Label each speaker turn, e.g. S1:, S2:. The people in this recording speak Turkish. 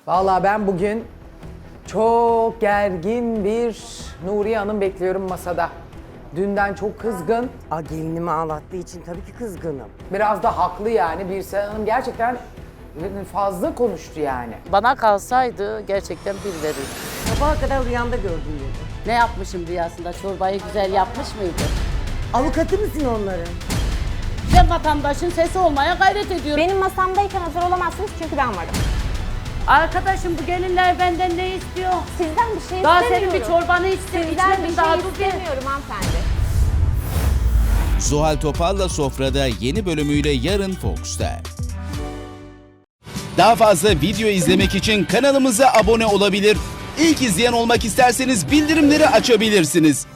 S1: Vallahi ben bugün çok gergin bir Nuriye Hanım bekliyorum masada. Dünden çok kızgın.
S2: Gelinimi ağlattığı için tabii ki kızgınım.
S1: Biraz da haklı yani. Birsen Hanım gerçekten fazla konuştu yani.
S3: Bana kalsaydı gerçekten bir verirdim.
S2: Sabaha kadar rüyamda gördüm dedi.
S3: Ne yapmışım rüyasında? Çorbayı güzel yapmış mıydı?
S2: Avukatı mısın onların?
S3: Ben vatandaşın sesi olmaya gayret ediyorum.
S4: Benim masamdayken hazır olamazsınız çünkü ben varım.
S3: Arkadaşım bu gelinler benden ne istiyor?
S4: Sizden bir şey
S3: Daha
S4: istemiyorum.
S3: senin bir çorbanı içtim,
S4: Sizden bir
S3: içmedim
S4: şey
S3: daha dur bir.
S4: istemiyorum hanımefendi.
S5: Zuhal Topal'la Sofra'da yeni bölümüyle yarın Fox'ta. Daha fazla video izlemek için kanalımıza abone olabilir. İlk izleyen olmak isterseniz bildirimleri açabilirsiniz.